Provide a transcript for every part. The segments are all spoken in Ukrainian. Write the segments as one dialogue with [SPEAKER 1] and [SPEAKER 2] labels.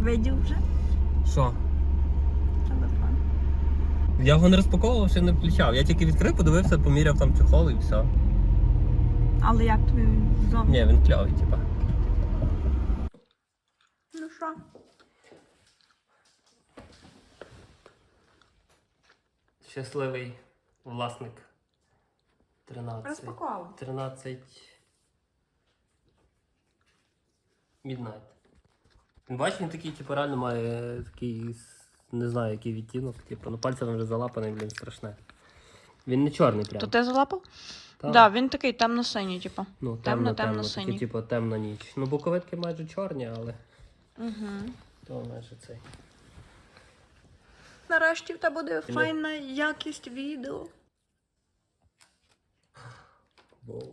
[SPEAKER 1] Видів вже
[SPEAKER 2] Що?
[SPEAKER 1] телефон.
[SPEAKER 2] Я його не розпаковував, ще не включав. Я тільки відкрив, подивився, поміряв там чехол і все.
[SPEAKER 1] Але як тобі він зовні?
[SPEAKER 2] Ні, він кльовий, типа.
[SPEAKER 1] Ну що?
[SPEAKER 2] Щасливий власник. 13.
[SPEAKER 1] Розпаковував.
[SPEAKER 2] 13. Midnight. Він бачиш, він такий, типу, реально має такий, не знаю, який відтінок. Типу, ну пальцем вже залапаний, блін, страшне. Він не чорний прям.
[SPEAKER 1] То ти залапав?
[SPEAKER 2] Так,
[SPEAKER 1] Да, він такий темно-синій, типу.
[SPEAKER 2] ну,
[SPEAKER 1] темно-темно-синій.
[SPEAKER 2] такий, типу, темна ніч. Ну, боковитки майже чорні, але
[SPEAKER 1] Угу.
[SPEAKER 2] то майже цей.
[SPEAKER 1] Нарешті в тебе буде файна якість відео.
[SPEAKER 2] Боже.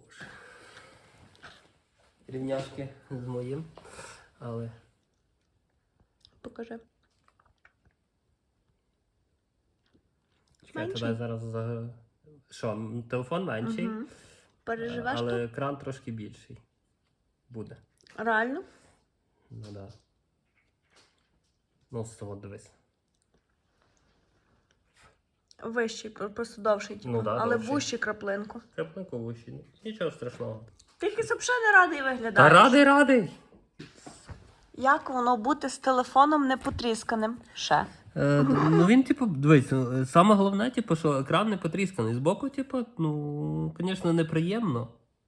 [SPEAKER 2] Рівняшки з моїм, але...
[SPEAKER 1] Покажи.
[SPEAKER 2] Чекай,
[SPEAKER 1] Менший?
[SPEAKER 2] тебе зараз за... Що, телефон менший,
[SPEAKER 1] Угу. Переживеш
[SPEAKER 2] але
[SPEAKER 1] тут?
[SPEAKER 2] екран трошки більший буде.
[SPEAKER 1] Реально?
[SPEAKER 2] Ну да. Ну, з того дивись.
[SPEAKER 1] Вищий, просто довший, типу.
[SPEAKER 2] Ну да,
[SPEAKER 1] але
[SPEAKER 2] довший.
[SPEAKER 1] вущий краплинку.
[SPEAKER 2] Краплинку вуші. Ну, нічого страшного.
[SPEAKER 1] Тільки взагалі не радий
[SPEAKER 2] Та
[SPEAKER 1] виглядаєш.
[SPEAKER 2] радий!
[SPEAKER 1] Як воно бути з телефоном не потрісканим? Ще.
[SPEAKER 2] Ну він, типу, дивись, саме головне, типу, що екран не потрісканий. Збоку, типу, ну, звісно, неприємно.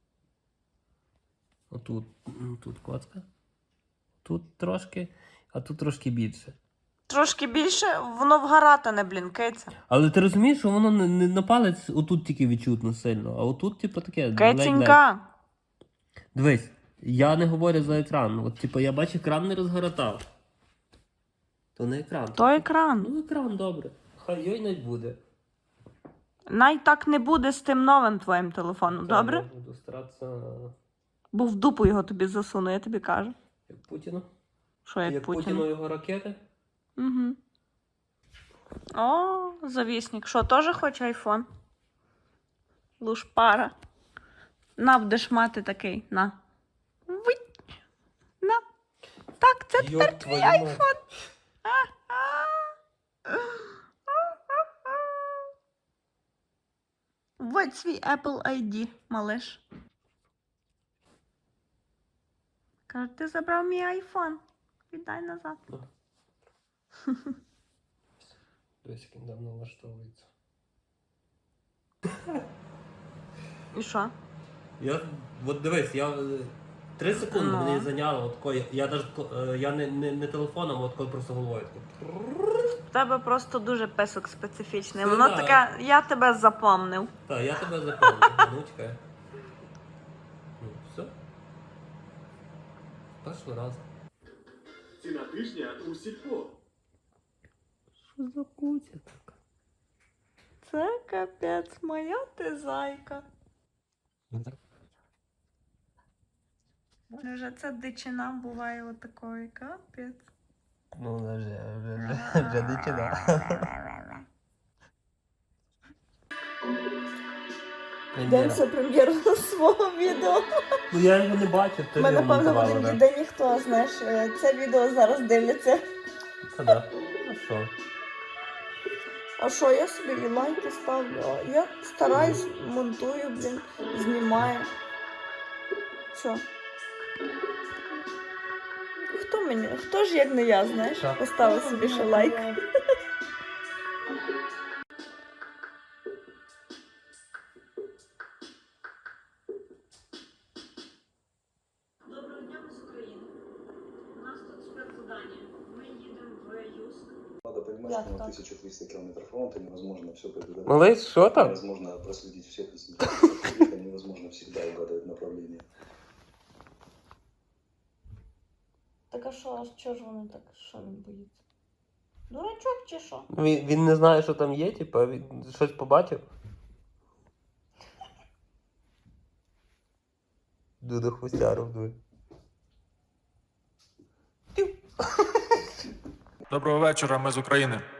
[SPEAKER 2] Тут коцка. Тут трошки, а тут трошки більше.
[SPEAKER 1] Трошки більше, воно вгаратане, блін, киця.
[SPEAKER 2] Але ти розумієш, що воно не на палець отут тільки відчутно сильно, а отут, типу, таке. ледь-ледь.
[SPEAKER 1] Кицінька.
[SPEAKER 2] Дивись, я не говорю за екран. От, типу, я бачу, екран не розгоротав. То не екран.
[SPEAKER 1] То екран.
[SPEAKER 2] Ну, екран, добре. Хай йой навіть буде.
[SPEAKER 1] Най так не буде з тим новим твоїм телефоном, добре?
[SPEAKER 2] Я буду старатися,
[SPEAKER 1] Бо в дупу його тобі засуну, я тобі кажу.
[SPEAKER 2] як Путіну.
[SPEAKER 1] Що як
[SPEAKER 2] Путіну
[SPEAKER 1] Путіну?
[SPEAKER 2] його ракети.
[SPEAKER 1] Угу. О, завісник. Що, теж хоче айфон? Лушпара. На, будеш мати такий. На. Вить. На. Так, це тепер
[SPEAKER 2] Йоп,
[SPEAKER 1] твій
[SPEAKER 2] твою мать.
[SPEAKER 1] айфон. Вводь свій Apple ID, малиш. Каже, ти забрав мій айфон. Віддай назад.
[SPEAKER 2] Дивись, як він давно влаштовується.
[SPEAKER 1] І що?
[SPEAKER 2] От дивись, 3 секунди
[SPEAKER 1] Ну.
[SPEAKER 2] мені зайняло. Я не телефоном, от коли просто головою.
[SPEAKER 1] В тебе просто дуже писок специфічний.
[SPEAKER 2] Ну,
[SPEAKER 1] Воно
[SPEAKER 2] да.
[SPEAKER 1] таке, я тебе запомнив.
[SPEAKER 2] Так, я тебе запомнив. Ну, чекай. Ну, все. Перший раз.
[SPEAKER 3] Ціна тижня у Сільпо.
[SPEAKER 2] Що за кутя така?
[SPEAKER 1] Це капець, моя ти зайка. Вже ця дичина буває отакої, капець.
[SPEAKER 2] Ну, вже дичина.
[SPEAKER 1] Йдемося прем'єру свого відео.
[SPEAKER 2] Ну я його не бачив, ти
[SPEAKER 1] Ми,
[SPEAKER 2] не
[SPEAKER 1] напевно,
[SPEAKER 2] монтувала,
[SPEAKER 1] будемо
[SPEAKER 2] да?
[SPEAKER 1] ніде ніхто, знаєш, це відео зараз дивляться.
[SPEAKER 2] Та да. Ну що?
[SPEAKER 1] А що, я собі і лайки ставлю, а я стараюсь, монтую, блін, знімаю. Що? Хто ж як не я, знаєш,
[SPEAKER 2] Так.
[SPEAKER 1] поставив собі ще лайк. Доброго дня, ми з України. У нас тут спецзадання. Ми їдемо в Юск.
[SPEAKER 4] Надо понимать,
[SPEAKER 1] Як
[SPEAKER 4] что на
[SPEAKER 1] так?
[SPEAKER 4] 1300 километров фронта невозможно все предугадать.
[SPEAKER 2] Малий, що там?
[SPEAKER 4] Невозможно проследить всех инцидентов, невозможно всегда угадывать направление.
[SPEAKER 1] Так а що ж вони так, що він боїться? Дурачок чи що?
[SPEAKER 2] Він не знає, що там є, типу, він щось побачив. Дуда хвостяру вдує.
[SPEAKER 5] Доброго вечора, ми з України.